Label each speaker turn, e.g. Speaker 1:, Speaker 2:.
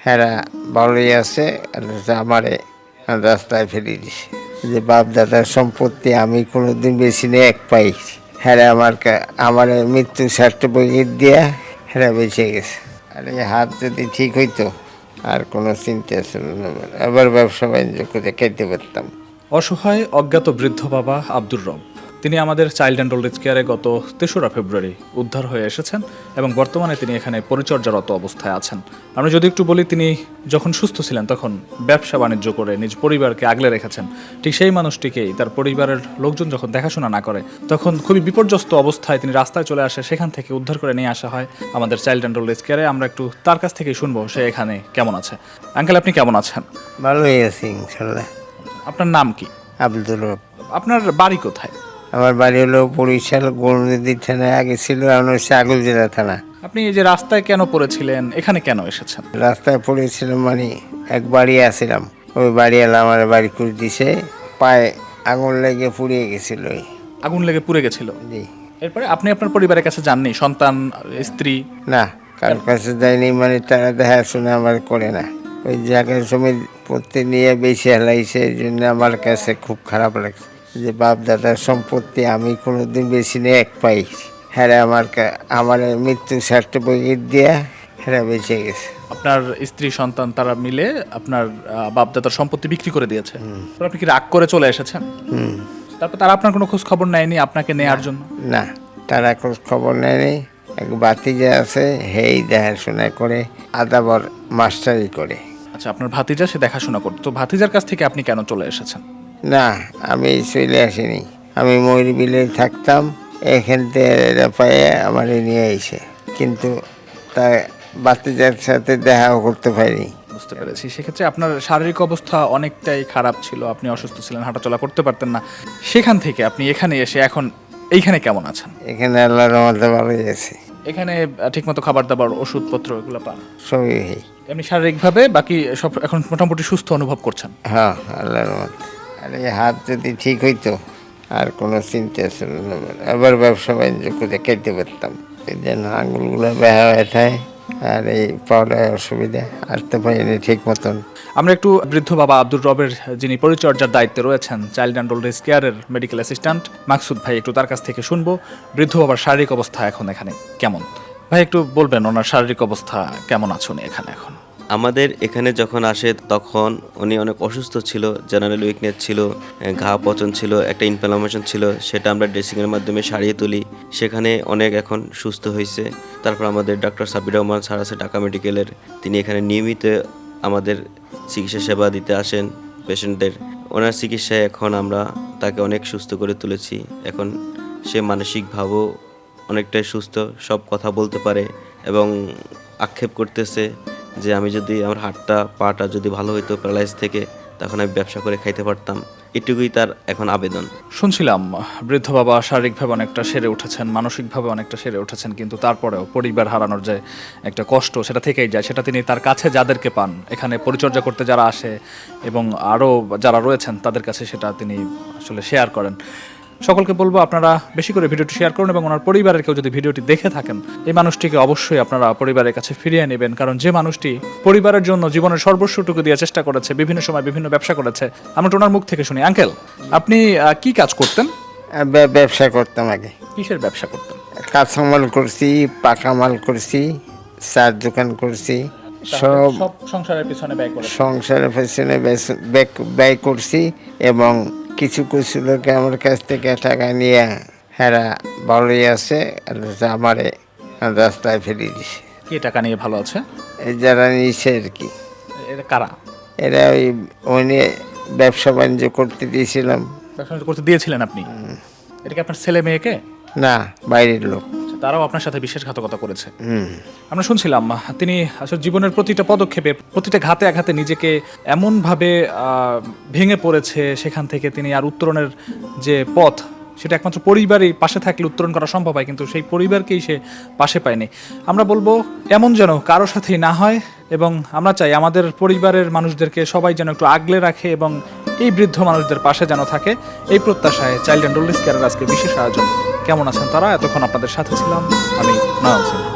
Speaker 1: হেরা ভালোই আছে, আর আমারে রাস্তায় ফেলে দিছে। যে বাপ দাদার সম্পত্তি আমি কোনোদিন বেশি নিয়ে এক পাই, হ্যাঁ আমার মৃত্যু সার্টিফিকেট দিয়া হেরা বেঁচে গেছে। আর এই হাত যদি ঠিক হইতো আর কোনো চিন্তা ছিল না, আবার ব্যবসা বাণিজ্য করে খাইতে পারতাম।
Speaker 2: অসহায় অজ্ঞাত বৃদ্ধ বাবা আব্দুর রব, তিনি আমাদের চাইল্ড অ্যান্ড ওল্ড এজ কেয়ারে গত 3রা ফেব্রুয়ারি উদ্ধার হয়ে এসেছেন এবং বর্তমানে তিনি এখানে পরিচর্যারত অবস্থায় আছেন। আমরা যদি একটু বলি, তিনি যখন সুস্থ ছিলেন তখন ব্যবসা বাণিজ্য করে নিজ পরিবারকে আগলে রেখেছেন। ঠিক সেই মানুষটিকেই তার পরিবারের লোকজন যখন দেখাশোনা না করে, তখন খুবই বিপর্যস্ত অবস্থায় তিনি রাস্তায় চলে আসে, সেখান থেকে উদ্ধার করে নিয়ে আসা হয় আমাদের চাইল্ড অ্যান্ড ওল্ড এজ কেয়ারে। আমরা একটু তার কাছ থেকেই শুনবো সে এখানে কেমন আছে। আঙ্কেল, আপনি কেমন আছেন?
Speaker 1: ভালোই আছি ইনশাল্লাহ।
Speaker 2: আপনার নাম কি?
Speaker 1: আব্দুল রব।
Speaker 2: আপনার বাড়ি কোথায়?
Speaker 1: আমার বাড়ি হলো বরিশাল গৌরনদী থানায়, আগে ছিল, এখন হচ্ছে আগলজেলা থানা।
Speaker 2: আপনি এই যে রাস্তায় কেন পড়েছিলেন, এখানে কেন এসেছেন?
Speaker 1: রাস্তায় পড়েছিলাম মানে এক বাড়ি আসছিলাম, ওই বাড়িওয়ালা আমার বাড়ি করে দিছে, পায়ে আগুন লেগে পুড়িয়ে গেছিল।
Speaker 2: আগুন লেগে পুড়ে গেছিল।
Speaker 1: জি।
Speaker 2: এরপরে আপনি আপনার পরিবারের কাছে যাননি? সন্তান, স্ত্রী?
Speaker 1: না, কারোর কাছে যায়নি, মানে তারা দেখাশোনা আমার করে না। ওই জায়গার জমি পত্তি নিয়ে বেশি হেলাইছে, এই জন্য আমার কাছে খুব খারাপ লাগছে। যে বাপ দাদার সম্পত্তি আমি কোনোদিন বেশি নিয়ে এক পাই, হ্যাঁ আমার মৃত্যু সার্টিফিকেট দিয়া হ্যাঁ বেঁচে গেছে।
Speaker 2: আপনার স্ত্রী, সন্তান তারা মিলে আপনার বাপদাদার সম্পত্তি বিক্রি করে দিয়েছে। তারপর আপনি কি রাগ করে চলে এসেছেন? তারপর তারা আপনার কোনো খোঁজ খবর নেয়নি আপনাকে নেয়ার জন্য?
Speaker 1: না, তারা খোঁজ খবর নেয়নি। এক ভাতিজা আছে, হেই দেখাশোনা করে, আদাবর মাস্টারি করে।
Speaker 2: আচ্ছা, আপনার ভাতিজা সে দেখাশোনা করতো, তো ভাতিজার কাছ থেকে আপনি কেন চলে এসেছেন?
Speaker 1: না, আমি চলে আসিনি, আমি ময়ূরবিলে থাকতাম, এখান থেকে এরা পায়ে আমার নিয়ে আইছে, কিন্তু তা ভাতিজার সাথে দেখাও করতে পারিনি।
Speaker 2: বুঝতে পেরেছি। সেক্ষেত্রে আপনার শারীরিক অবস্থা অনেকটাই খারাপ ছিল, আপনি অসুস্থ ছিলেন, হাঁটাচলা করতে পারতেন না। সেখান থেকে আপনি এখানে এসে এখন এইখানে কেমন আছেন?
Speaker 1: এখানে আল্লাহর রহমতে ভালোই আছে।
Speaker 2: এখানে ঠিকমতো খাবার দাবার, ওষুধপত্র এগুলো পান?
Speaker 1: সবই
Speaker 2: এমনি শারীরিকভাবে বাকি সব এখন মোটামুটি সুস্থ অনুভব করছেন?
Speaker 1: হ্যাঁ, আল্লাহর রহমতে। আর এই হাত যদি ঠিক হইতো আর কোনো চিন্তা ছিল না, আবার ব্যবসা বাণিজ্য করে খাইতে পারতাম। এই জন্য আঙুলগুলো বেহা হয়ে থাকে, আর এই পাওয়াটায় অসুবিধা, আসতে পারিনি ঠিক মতন।
Speaker 2: আমরা একটু বৃদ্ধ বাবা আব্দুর রবের, যিনি পরিচর্যার দায়িত্বে রয়েছেন, চাইল্ড অ্যান্ড ওল্ড এজ কেয়ারের মেডিকেল অ্যাসিস্ট্যান্ট মাকসুদ ভাই, একটু তার কাছ থেকে শুনবো বৃদ্ধ বাবার শারীরিক অবস্থা এখন এখানে কেমন। ভাই, একটু বলবেন ওনার শারীরিক অবস্থা কেমন আছে উনি এখানে এখন?
Speaker 3: আমাদের এখানে যখন আসে তখন উনি অনেক অসুস্থ ছিল, জেনারেল উইকনেস ছিল, ঘা পচন ছিল, একটা ইনফ্লামেশন ছিল, সেটা আমরা ড্রেসিংয়ের মাধ্যমে সারিয়ে তুলি। সেখানে অনেক এখন সুস্থ হয়েছে। তারপর আমাদের ডক্টর সাবির রহমান স্যার আছে ঢাকা মেডিকেলের, তিনি এখানে নিয়মিত আমাদের চিকিৎসা সেবা দিতে আসেন পেশেন্টদের। ওনার চিকিৎসায় এখন আমরা তাকে অনেক সুস্থ করে তুলেছি। এখন সে মানসিকভাবেও অনেকটাই সুস্থ, সব কথা বলতে পারে এবং আক্ষেপ করতেছে যে আমি যদি আমার হাতটা পাটা যদি ভালো হইতো প্যারালাইজ থেকে, তখন আমি ব্যবসা করে খাইতে পারতাম। এটুকুই তার এখন আবেদন।
Speaker 2: শুনছিলাম বৃদ্ধ বাবা শারীরিকভাবে অনেকটা সেরে উঠেছেন, মানসিকভাবে অনেকটা সেরে উঠেছেন, কিন্তু তারপরেও পরিবার হারানোর যে একটা কষ্ট সেটা থেকেই যায়। সেটা তিনি তার কাছে যাদেরকে পান, এখানে পরিচর্যা করতে যারা আসে এবং আরও যারা রয়েছেন তাদের কাছে সেটা তিনি আসলে শেয়ার করেন। সকলকে বলবো আপনারা বেশি করে ভিডিওটি শেয়ার করুন এবং ওনার পরিবারের কেউ যদি ভিডিওটি দেখে থাকেন, এই মানুষটিকে অবশ্যই আপনারা পরিবারের কাছে ফিরিয়ে নেবেন। কারণ যে মানুষটি পরিবারের জন্য জীবনের সর্বস্বটুকু দিয়ে চেষ্টা করেছে, বিভিন্ন সময় বিভিন্ন ব্যবসা করেছে, আমরা ওনার মুখ থেকে শুনি। আঙ্কেল, আপনি কি কাজ করতেন?
Speaker 1: ব্যবসা করতাম আগে।
Speaker 2: কিসের ব্যবসা করতেন?
Speaker 1: কাঁচামাল করছি, পাকা মাল করছি, চার দোকান করছি, সব
Speaker 2: সংসারের পিছনে ব্যয় করে
Speaker 1: সংসারের পেছনে ব্যয় করছি। এবং কিছু কিছু লোকে আমার কাছ থেকে টাকা নিয়ে হেরা ভালোই আছে, আর আমারে রাস্তায় ফেলে দিছে।
Speaker 2: কি টাকা নিয়ে ভালো আছে?
Speaker 1: এই যারা নিছে আর কি,
Speaker 2: এটা কারা?
Speaker 1: এরা ওই নিয়ে ব্যবসা বাণিজ্য করতে দিয়েছিলাম।
Speaker 2: ব্যবসা করতে দিয়েছিলেন আপনি? এটা কি আপনার ছেলে মেয়েকে?
Speaker 1: না, বাইরের লোক।
Speaker 2: তারাও আপনার সাথে বিশ্বাসঘাতকতা করেছে? আমরা শুনছিলাম তিনি আসলে জীবনের প্রতিটা পদক্ষেপে, প্রতিটা ঘাতে আঘাতে নিজেকে এমনভাবে ভেঙে পড়েছে, সেখান থেকে তিনি আর উত্তরণের যে পথ, সেটা একমাত্র পরিবারই পাশে থাকলে উত্তরণ করা সম্ভব হয়, কিন্তু সেই পরিবারকেই সে পাশে পায়নি। আমরা বলবো এমন যেন কারো সাথেই না হয়, এবং আমরা চাই আমাদের পরিবারের মানুষদেরকে সবাই যেন একটু আগলে রাখে এবং এই বৃদ্ধ মানুষদের পাশে যেন থাকে, এই প্রত্যাশায় চাইল্ড অ্যান্ড ওল্ড এজ কেয়ারের আজকে বিশেষ আয়োজন। কেমন আছেন তারা? এতক্ষণ আপনাদের সাথে ছিলাম আমি, নয়ন সিং।